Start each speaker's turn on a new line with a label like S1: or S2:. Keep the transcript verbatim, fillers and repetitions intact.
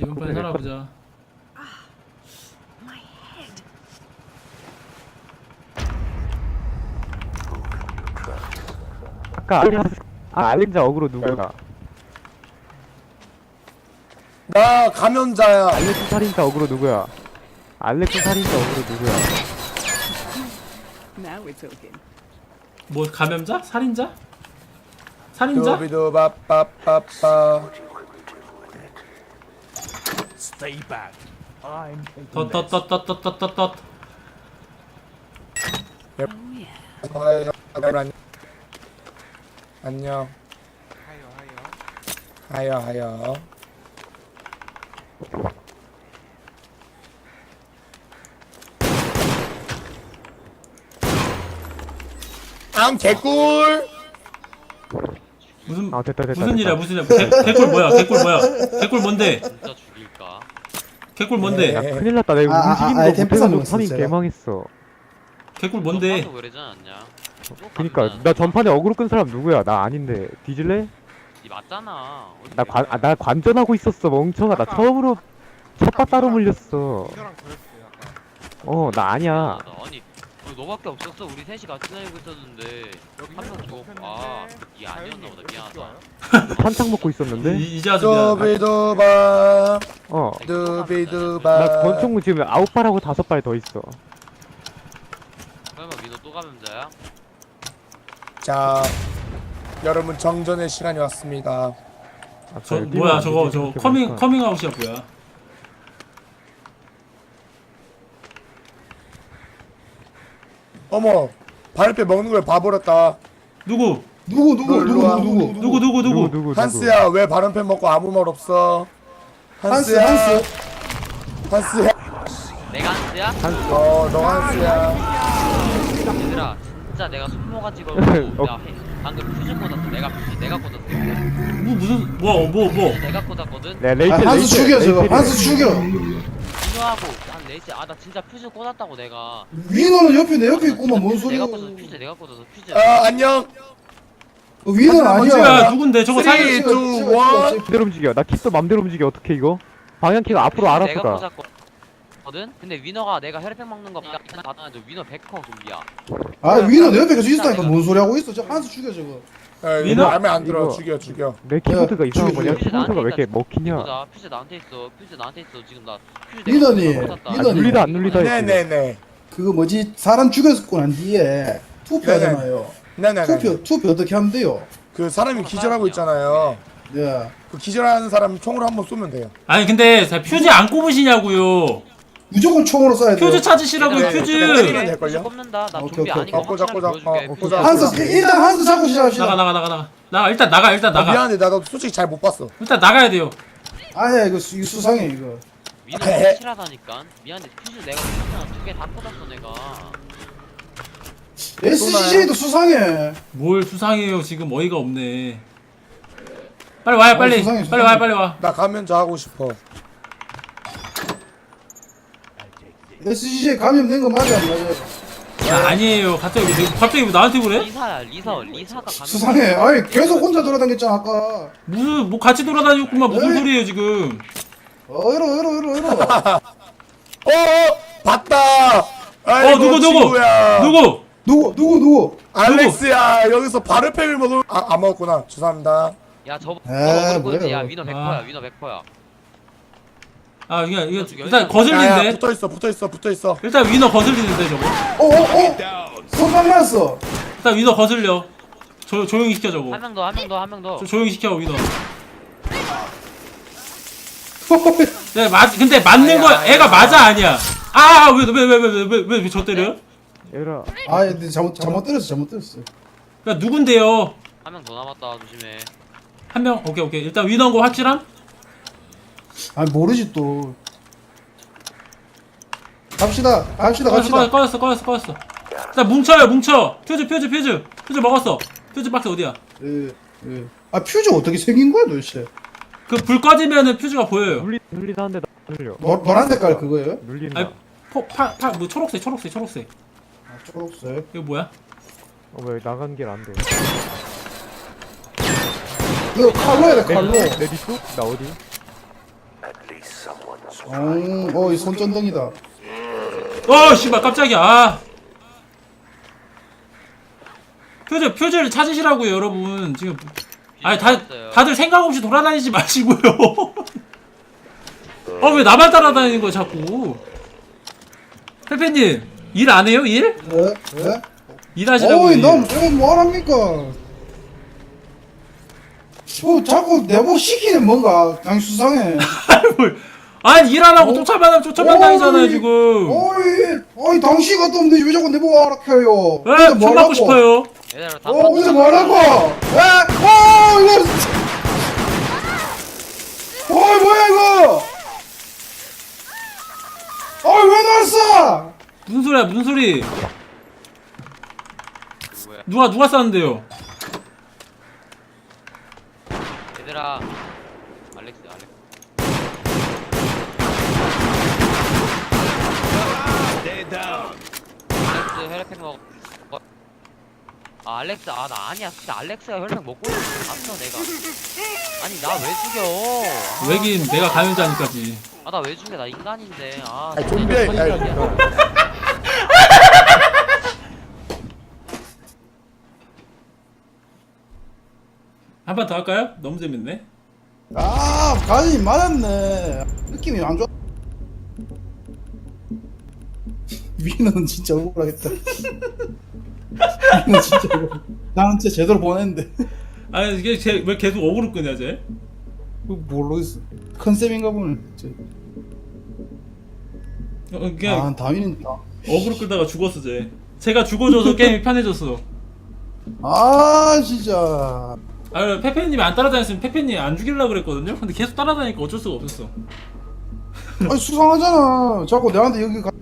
S1: 이번 판에 살아보자.
S2: 아까 알림 아 알림자 어그로 누구야?
S3: 나 감염자야.
S2: 알렉스 살인자 어그로 누구야? 알렉스 살인자 어그로 누구야?
S4: Now we're talking.
S1: 뭐 감염자? 살인자? 살인자?
S3: 두비두바빠빠빠.
S1: 덧덧덧덧덧덧덧덧.
S4: Oh yeah.
S3: 안녕. 안녕. 하여 하여. 앙 개꿀.
S1: 무슨
S2: 아 됐다 됐다.
S1: 무슨
S2: 됐다.
S1: 일이야 무슨 일이야? 개, 개꿀 뭐야? 개꿀 뭐야? 개꿀 뭔데?
S5: 진짜 죽일까?
S1: 개꿀 뭔데?
S2: 야
S3: 네.
S2: 큰일 났다. 내가
S6: 아, 아,
S2: 움직이는
S6: 아,
S2: 거
S6: 아이템
S2: 못해가지고
S6: 뺏어
S2: 선임
S6: 먹었어요.
S2: 개망했어.
S1: 개꿀 뭔데?
S5: 너도 그러지 않았냐? 또
S2: 그니까
S5: 가면
S2: 나 전판에 어그로 끈 사람 누구야? 나 아닌데 뒤질래?
S5: 니 맞잖아. 어디
S2: 나 관 아, 나 관전하고 있었어 멍청아. 나 처음으로 첫바 따로 물렸어. 어 나 아니야.
S5: 미안하다. 아니 어, 너밖에 없었어. 우리 셋이 같이 다니고 있었는데 한 명 죽었고 아이 아니었나 보다. 미안하다.
S2: 한창 먹고 있었는데.
S1: 이, 이제 아주 미안.
S3: 두비두바.
S2: 어.
S3: 두비두바.
S2: 나 권총무 지금 아홉 발하고 다섯 발 더 있어.
S5: 설마 민호 또 감염자야?
S3: 자, 여러분 정전의 시간이 왔습니다.
S2: 아,
S1: 저
S2: 그래,
S1: 뭐야
S2: 뛰면
S1: 저거
S2: 안 되지,
S1: 저거
S2: 이렇게
S1: 커밍
S2: 보니까.
S1: 커밍아웃이야 뭐야?
S3: 어머, 발표 먹는 걸 봐버렸다.
S1: 누구?
S6: 누구 누구
S3: 너 일로
S6: 누구
S3: 와.
S6: 누구 누구
S1: 누구 누구 누구?
S2: 누구 누구
S3: 한스야, 왜 발언팬 먹고 아무 말 없어?
S6: 한스
S3: 한스야,
S6: 한스
S3: 한스야.
S5: 내가 한스야?
S3: 어, 너 한스야.
S5: 얘들아 진짜 내가 손모가지 걸고
S2: 어.
S5: 나 해- 방금 퓨즈 꽂았어. 내가 퓨즈 내가 꽂았어.
S1: 뭐 무슨 뭐뭐 뭐? 뭐.
S5: 내가 꽂았거든.
S2: 네
S6: 아,
S2: 레이첼
S6: 한스
S2: 레이첼,
S6: 죽여 저거
S2: 레이첼이래.
S6: 한스 죽여
S5: 민호하고 한 네시 아나 진짜 퓨즈 꽂았다고 내가.
S6: 위너는 옆에 내 옆에 있구만 뭔 소리야
S5: 내가 꽂았어. 퓨즈 내가 꽂았어. 퓨즈.
S3: 아, 안녕.
S6: 어, 위너는
S3: 하지마,
S6: 아니야
S1: 누구야 누군데 저거
S3: 쓰리,
S1: 살인
S3: 투, 원.
S2: 맘대로 움직여. 나 kit도 맘대로 움직여. 어떻게 이거? 방향키가 앞으로 알아서
S5: 내가
S2: 가.
S5: 꽂았거든. 근데 위너가 내가 혈액팩 먹는 거 받아줘. 위너 백 퍼 좀비야.
S6: 아 위너 내 옆에 계속 있었다니까 뭔 소리 하고 있어 저 한스 죽여 저거
S3: 에,
S1: 민호,
S3: 이거 마음에 안 들어.
S2: 이거.
S3: 죽여, 죽여.
S2: 내 키보드가
S6: 야,
S2: 이상한
S6: 죽여,
S2: 거냐?
S6: 죽여.
S2: 키보드가 왜 이렇게 먹히냐?
S5: 보자. 퓨즈 나한테 있어. 퓨즈 나한테 있어. 지금 나 퓨즈
S6: 민호니,
S5: 내가 꽂았다.
S2: 아,
S6: 민호니.
S2: 눌리다 안 눌리다 했지.
S3: 네네네.
S6: 그거 뭐지 사람 죽였고 난 뒤에 투표하잖아요
S3: 네네네.
S6: 투표 투표 어떻게 하면 돼요
S3: 그 사람이 기절하고 있잖아요.
S6: 네
S3: 그 기절하는 사람 총으로 한번 쏘면 돼요.
S1: 아니 근데 자, 퓨즈 안 꼽으시냐고요?
S6: 무조건 총으로 쏴야 돼요
S1: 퓨즈 찾으시라고요
S3: 네,
S1: 퓨즈.
S3: 네, 네, 네. 될걸요?
S5: 퓨즈 꼽는다. 나
S6: 오케이,
S5: 좀비
S6: 오케이,
S5: 아닌 거
S3: 오케이. 꽂아,
S5: 확실하게
S3: 꽂아,
S5: 보여줄게.
S3: 어,
S5: 퓨즈
S3: 꽂아.
S6: 한스 일단 한스 잡고 시작합시다
S1: 나가 나가 나가 나가. 나가 일단 나가 일단
S3: 어,
S1: 나가.
S3: 미안해, 나도 솔직히 잘 못 봤어.
S1: 일단 나가야 돼요.
S6: 아예 이거, 수, 이거 수상해 이거
S5: 위너 확실하다니까. 미안해. 퓨즈 내가 두개 다 꽂았어 내가.
S6: 에스씨제이도 수상해
S1: 뭘 수상해요 지금 어이가 없네. 빨리 와요 빨리.
S6: 수상해,
S1: 빨리
S6: 수상해.
S1: 와요 빨리 와.
S3: 나 감염자 하고 싶어.
S6: 에스씨제이 감염된 거 맞아 안 맞아
S1: 야, 아니에요. 갑자기 왜, 갑자기 왜 나한테 그래?
S5: 리사야 리사 리사가 가면.
S6: 수상해 아니 계속 혼자 돌아다녔잖아 아까
S1: 무슨 뭐 같이 돌아다녔구만 무슨
S6: 에이.
S1: 소리예요 지금?
S6: 어 이러 이러 이러 이러
S3: 어, 어, 봤다. 아이고,
S1: 어 누구 누구
S3: 친구야.
S1: 누구?
S6: 누구 누구 누구
S3: 알렉스야, 여기서 바르팩을 먹을. 아, 안 먹었구나. 죄송합니다.
S5: 야 저거
S6: 에,
S5: 저거
S6: 뭐야,
S5: 꽂지. 야
S6: 이거.
S5: 위너 백
S1: 아.
S5: 퍼야. 위너 백 퍼야.
S1: 아 이게 이거
S5: 죽여,
S1: 일단
S5: 일단.
S3: 야야,
S1: 거슬리는데.
S3: 붙어 있어, 붙어 있어, 붙어 있어.
S1: 일단 위너 거슬리는데 저거.
S6: 어어어 손방 났어
S1: 일단 위너 거슬려. 조 조용히 시켜 저거.
S5: 한 명 더 한 명 더 한 명 더.
S1: 조, 조용히 시켜 위너. 네 맞. 근데 맞는
S3: 아니야,
S1: 거
S3: 아니야.
S1: 애가 맞아 아니야. 아왜왜 왜 왜 왜 왜 왜 저 때려요?
S2: 얘들아
S6: 아 근데 잘못 잘못 때렸어 잘못 때렸어
S1: 야 누군데요?
S5: 한 명 더 남았다. 조심해.
S1: 한 명 오케이 오케이 일단 위너인 거 확실함?
S6: 아니 모르지 또 갑시다 갑시다
S1: 꺼졌어
S6: 갑시다
S1: 꺼졌어 꺼졌어 꺼졌어. 일단 뭉쳐요 뭉쳐. 퓨즈 퓨즈 퓨즈 퓨즈 먹었어. 퓨즈 박스 어디야?
S6: 예, 예. 아 퓨즈 어떻게 생긴 거야 도대체
S1: 그 불 꺼지면은 퓨즈가 보여요.
S2: 눌리 눌리다 한데 나 눌려.
S6: 노, 노란 색깔 그거예요?
S2: 눌린다.
S1: 아니 포파파뭐 초록색 초록색 초록색.
S6: 아 초록색
S1: 이거 뭐야?
S2: 어왜 나간 길 안 돼?
S6: 이거 칼로 해야 돼 칼로
S2: 내 뒤쪽? 나 어디?
S6: 어, 이 손전등이다.
S1: 어 씨발 깜짝이야. 아. 표절 표절 찾으시라고요 여러분. 지금 아니 다 다들 생각 없이 돌아다니지 마시고요. 어 왜 나만 따라다니는 거야 자꾸. 페페님 일 안 해요 일?
S6: 네? 네?
S1: 일하시라고.
S6: 어이, 넌 뭐, 뭐랍니까? 뭐, 자꾸 내복 시키는 뭔가, 그냥 수상해.
S1: 아니 일 안 하고 쫓아만 쫓아만 다니잖아요
S6: 어이,
S1: 지금.
S6: 어이, 어이, 당신 같도 없는데 왜 자꾸 내복 알아켜요?
S1: 에? 총 맞고 싶어요.
S5: 얘들아 다
S6: 어, 어디서 뭐라고? 에? 어, 이거. 어이, 뭐야, 이거? 어이, 왜 나왔어?
S1: 무슨 소리야 무슨 소리.
S5: 누구야?
S1: 누가 누가 쐈는데요.
S5: 얘들아 알렉스 알렉스 알렉스 혈액팩 먹어. 어. 아 알렉스 아 나 아니야 진짜 알렉스가 혈액 먹고 있는 봤어 내가. 아니 나 왜 죽여?
S1: 왜긴 내가 감염자니까지.
S5: 아 나 왜 죽여? 나 인간인데. 아
S3: 아니, 좀비야.
S5: 진짜
S3: 아니,
S5: 선인장이야.
S1: 한 판 더 할까요? 너무 재밌네.
S6: 아, 가지 맞았네. 느낌이 안 좋아. 위는 진짜 억울하겠다. 위는 진짜 억울. 나는 진짜 제대로 보냈는데.
S1: 아니 이게 제, 왜 계속 어그로 끄냐 쟤?
S6: 모르겠어. 컨셉인가 보네. 저-
S1: 어, 그냥
S6: 아, 다윈은
S1: 어그로 끌다가 죽었어 쟤. 제가 죽어줘서 게임이 편해졌어.
S6: 아, 진짜.
S1: 아 페페님이 안 따라다녔으면 페페님 안 죽이려고 그랬거든요. 근데 계속 따라다니니까 어쩔 수가 없었어.
S6: 아니, 수상하잖아. 자꾸 내한테 여기 가.